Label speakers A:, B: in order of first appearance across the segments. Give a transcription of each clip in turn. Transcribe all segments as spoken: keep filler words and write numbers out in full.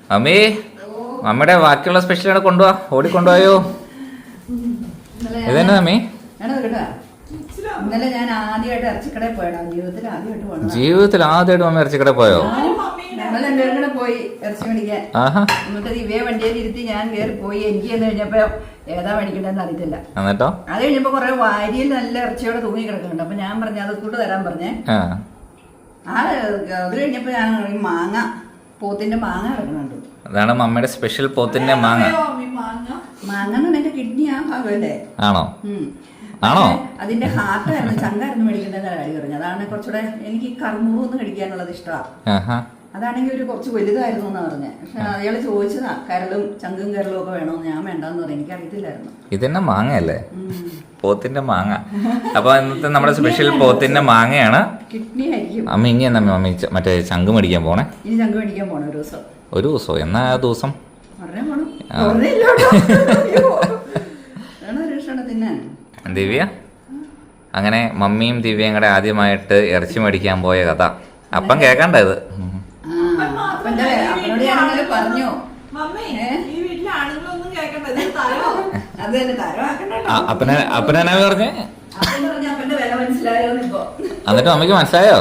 A: അമ്മേ അമ്മയുടെ ബാക്കിയുള്ള സ്പെഷ്യൽ അവിടെ കൊണ്ടുപോവാ ഓടിക്കൊണ്ടുപോയോ? ഇതന്നെ അമ്മേ
B: ഇന്നലെ ഞാൻ ആദ്യമായിട്ട് ഇറച്ചിക്കടയിൽ പോയടാ. ജീവിതത്തിൽ ആദ്യമായിട്ട് പോകണം.
A: ജീവിതത്തിൽ ആദ്യമായിട്ട് അമ്മ ഇറച്ചിക്കടയിൽ പോയോ?
B: ഞങ്ങൾ രണ്ടുപേരും കൂടെ പോയി ഇറച്ചി മേടിക്കാൻ. എന്നിട്ട് ഇവയെ വണ്ടിയിൽ ഇരുത്തി ഞാൻ കയറി പോയി. എനിക്ക് എന്ന് കഴിഞ്ഞപ്പോ ഏതാ മേടിക്കണ്ടെന്ന് അറിയത്തില്ല.
A: എന്നിട്ടോ
B: അത് കഴിഞ്ഞപ്പോ കുറെ വാരിയിൽ നല്ല ഇറച്ചിയോടെ തൂങ്ങി കിടക്കുന്നുണ്ട്. അപ്പൊ ഞാൻ പറഞ്ഞു അത് കൂട്ട് തരാൻ പറഞ്ഞേ. ആ അത് കഴിഞ്ഞപ്പോ ഞാൻ മാങ്ങ പോത്തിന്റെ മാങ്ങ കിടക്കുന്നുണ്ട്.
A: അതാണ് മമ്മയുടെ സ്പെഷ്യൽ പോത്തിന്റെ മാങ്ങ.
B: മാങ്ങ എന്ന് പറഞ്ഞ കിഡ്നി ആ ഭാഗമല്ലേ?
A: ആണോ ആണോ
B: അതിന്റെ ഹാർട്ടായിരുന്നു ചങ്കായിരുന്നു മേടിക്കേണ്ടത് കാര്യം പറഞ്ഞു. അതാണ് കുറച്ചുകൂടെ എനിക്ക് കർമ്മൂന്ന് കഴിക്കാനുള്ളത് ഇഷ്ടമാണ്. അതാണെങ്കിൽ ഒരു കുറച്ച് വലുതായിരുന്നു എന്നാ പറഞ്ഞത്. പക്ഷെ അയാള് ചോദിച്ചതാ കരളും ചങ്കും കരളും ഒക്കെ വേണോന്ന്. ഞാൻ വേണ്ടെന്ന് പറഞ്ഞു. എനിക്ക് അറിയത്തില്ലായിരുന്നു.
A: ഇതന്നെ മാങ്ങയല്ലേ? പോത്തിന്റെ മാങ്ങ. അപ്പൊ ഇന്നത്തെ നമ്മുടെ സ്പെഷ്യൽ പോത്തിന്റെ മാങ്ങയാണ്.
B: കിഡ്നി ആയിരിക്കും.
A: അമ്മ ഇനി എന്നാ മമ്മി മറ്റേ ചങ്ക് മേടിക്കാൻ പോണേ?
B: ഇനി ചങ്ക് മേടിക്കാൻ പോണേ ഒരു ദിവസം.
A: ഒരു ദിവസം എന്നാ ആ ദിവസം
B: തിന്നാൻ.
A: ദിവ്യ അങ്ങനെ മമ്മിയും ദിവ്യയും കൂടെ ആദ്യമായിട്ട് ഇറച്ചി മേടിക്കാൻ പോയ കഥ അപ്പം കേക്കണ്ട ഇത്.
B: പറഞ്ഞു
A: അപ്പനെ അപ്പനെന്നാ പറഞ്ഞേ? എന്നിട്ട് മമ്മിക്ക് മനസ്സിലായോ?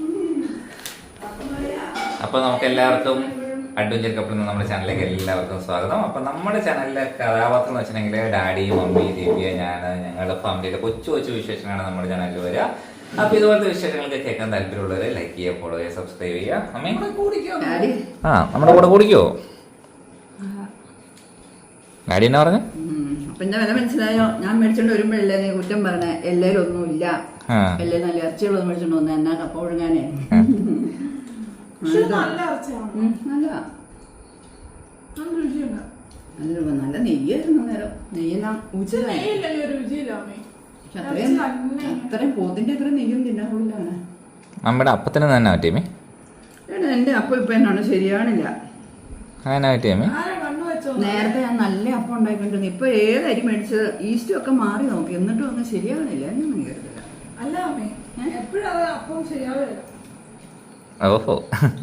A: അപ്പൊ നമുക്ക് എല്ലാവർക്കും അഡ്വഞ്ചർ കപ്പിൾ എന്ന നമ്മുടെ ചാനലിലേക്ക് എല്ലാവർക്കും സ്വാഗതം. അപ്പൊ നമ്മുടെ ചാനലിലെ കഥാപാത്രം എന്ന് വെച്ചിട്ടുണ്ടെങ്കിൽ ഡാഡി, മമ്മി, ദിവ്യ, ഞാൻ, ഞങ്ങളുടെ ഫാമിലിയിലെ കൊച്ചു കൊച്ചു വിശേഷങ്ങളാണ് നമ്മുടെ ചാനലിൽ വരിക. അപ്പൊ ഇതുപോലത്തെ വിശേഷങ്ങളൊക്കെ കേൾക്കാൻ താല്പര്യമുള്ളവരെ ലൈക്ക് ചെയ്യുക, ഫോളോ ചെയ്യുക, സബ്സ്ക്രൈബ് ചെയ്യുക. അമ്മ ആ നമ്മുടെ കൂടെ കൂടിക്കോ? ഡാഡി എന്നാ പറഞ്ഞു?
B: പിന്നെ വില മനസ്സിലായോ? ഞാൻ മേടിച്ചോണ്ട് വരുമ്പോഴല്ലേ നീ കുറ്റം പറഞ്ഞേ എല്ലാരും ഒന്നുമില്ല, എല്ലാ നല്ല ഇറച്ചികളൊന്നും മേടിച്ചോണ്ട് വന്ന എന്നാ കപ്പ ഒഴുങ്ങാനേ. നല്ല നെയ്യായിരുന്നു നേരം. നെയ്യെല്ലാം അത്രയും പോത്തിന്റെ അത്ര നെയ്യും തിന്നാൻ കൊള്ളില്ല.
A: നമ്മുടെ അപ്പത്തിന് തന്നെ പറ്റിയമേ?
B: എന്റെ അപ്പം ഇപ്പൊ എന്നാണ് ശരിയാണില്ല. നേരത്തെ ഞാൻ നല്ല അപ്പം ഉണ്ടായിക്കൊണ്ടിരുന്നു. ഇപ്പൊ ഏത് അരി മേടിച്ചത് ഈസ്റ്റും ഒക്കെ മാറി നോക്കി എന്നിട്ടും ഒന്നും ശരിയാവണില്ല. എന്നൊന്നും കരുതില്ല.
A: ഓഹോ.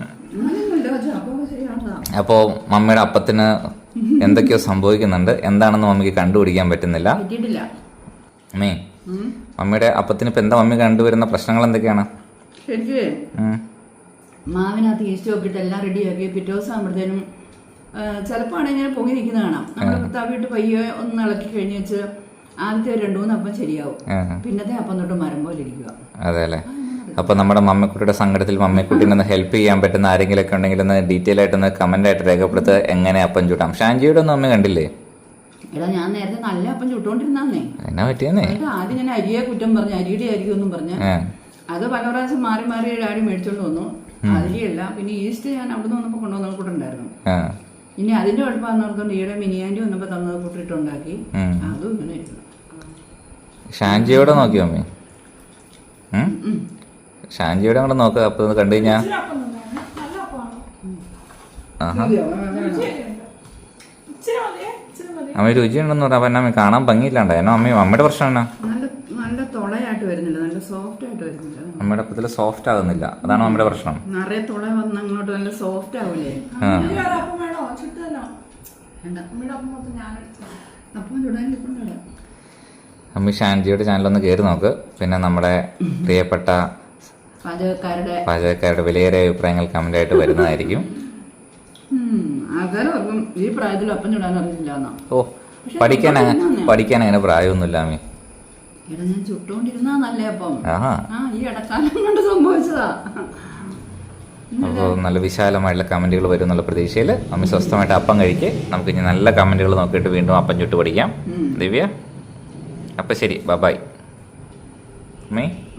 A: അപ്പോ മമ്മിയുടെ അപ്പത്തിന് എന്തൊക്കെയോ സംഭവിക്കുന്നുണ്ട്. എന്താണെന്ന് മമ്മിക്ക് കണ്ടുപിടിക്കാൻ പറ്റുന്നില്ല. അമ്മേ മമ്മിയുടെ അപ്പത്തിന് ഇപ്പൊ എന്താ മമ്മി കണ്ടുവരുന്ന പ്രശ്നങ്ങൾ എന്തൊക്കെയാണ്?
B: ശരിക്കും മാവിനകത്ത് ഈസ്റ്റ് നോക്കിയിട്ട് എല്ലാം റെഡിയാക്കി പിറ്റേ ദിവസം ആകുമ്പോഴത്തേനും ചിലപ്പോൾ ആണെങ്കിൽ ഇങ്ങനെ പൊങ്ങി നിൽക്കുന്ന കാണാം. നമ്മൾ തവിട്ട് പയ്യെ ഒന്ന് ഇളക്കി കഴിഞ്ഞ് വെച്ച് ആദ്യത്തെ രണ്ടു മൂന്ന് അപ്പം ശരിയാവും. പിന്നത്തെ അപ്പം തൊട്ട് മരം പോലെ ഇരിക്കുക.
A: അതെ അല്ലേ? അപ്പൊ നമ്മുടെ മമ്മിക്കുട്ടിയുടെ സങ്കടത്തിൽ മമ്മിക്കുട്ടിനെ ഒന്ന് ഹെൽപ്പ് ചെയ്യാൻ പറ്റുന്ന ആരെങ്കിലും ഒക്കെ ഉണ്ടെങ്കിൽ ഒന്ന് ഡീറ്റെയിൽ ആയിട്ടൊന്ന് കമന്റ് ആയിട്ട് രേഖപ്പെടുത്തുക. എങ്ങനെ അപ്പം ചൂട്ടാം? ഷാൻജിയുടെ ഒന്നും അമ്മ കണ്ടില്ലേ?
B: എടാ ഞാൻ നേരത്തെ നല്ല അപ്പം ചുട്ടോണ്ടിരുന്നേ.
A: എന്നാ പറ്റിയെന്നേ?
B: ആദ്യം ഞാൻ അരിയെ കുറ്റം പറഞ്ഞു, അരിയുടെ ആയിരിക്കും ഒന്നും പറഞ്ഞ. അത് പല പ്രാവശ്യം മാറി മാറി ഡാഡി മേടിച്ചോണ്ട് വന്നു. അരിയല്ല. പിന്നെ ഈസ്റ്റ് ഞാൻ അവിടെ നിന്ന് വന്നപ്പോ കൊണ്ടുവന്ന കൂട്ടുണ്ടായിരുന്നു. ഇനി അതിന്റെ കുഴപ്പമാണെന്ന് ഓർക്കൊണ്ട് ഈടെ മിനിയാൻറ്റി വന്നപ്പോ തന്നത് കൂട്ടിട്ടുണ്ടാക്കി. അതും ഇങ്ങനെ
A: ഷാൻജിയോടെ നോക്കിയോ അമ്മേ? ഷാൻജിയുടെ കൂടെ നോക്കുക. അപ്പൊ കണ്ടു കഴിഞ്ഞാ അമ്മ രുചിയുണ്ടെന്ന് പറഞ്ഞ. അപ്പൊ എന്നാ കാണാൻ ഭംഗിയില്ലാണ്ട എന്നോ അമ്മ? അമ്മയുടെ പ്രശ്നം എന്നാ?
B: നല്ല തൊളയായിട്ട് വരുന്നില്ല, നല്ല സോഫ്റ്റ് ആയിട്ട് വരുന്നില്ല.
A: അമ്മയുടെ അപ്പത്തില് സോഫ്റ്റ് ആകുന്നില്ല. അതാണ് അമ്മയുടെ പ്രശ്നം.
B: നിറയെ തുള വന്ന് അങ്ങോട്ട് നല്ല സോഫ്റ്റ് ആവൂലേ?
A: അമ്മ ഷാൻജിയുടെ ചാനലൊന്ന് കയറി നോക്ക്. പിന്നെ നമ്മുടെ പ്രിയപ്പെട്ട പാചകക്കാരുടെ വിലയേറിയ അഭിപ്രായങ്ങൾ കമന്റ് ആയിട്ട് വരുന്നതായിരിക്കും.
B: ഈ പ്രായത്തിൽ അപ്പം ചുടാൻ അറിയില്ല.
A: ഓ പഠിക്കാൻ പഠിക്കാൻ അങ്ങനെ പ്രായമൊന്നുമില്ല അമ്മേ.
B: ഞാൻ ചുട്ടോണ്ടിരുന്നാ നല്ല അപ്പം. ഈ ഇടക്കാലം കൊണ്ട് സംഭവിച്ചതാ.
A: അപ്പോൾ നല്ല വിശാലമായിട്ടുള്ള കമന്റുകൾ വരും എന്നുള്ള പ്രതീക്ഷയിൽ അമ്മ സ്വസ്ഥമായിട്ട് അപ്പം കഴിക്ക്. നമുക്ക് ഇനി നല്ല കമന്റുകൾ നോക്കിയിട്ട് വീണ്ടും അപ്പം ചുട്ട് പഠിക്കാം. ദിവ്യ അപ്പൊ ശരി, ബൈ. അമ്മേ.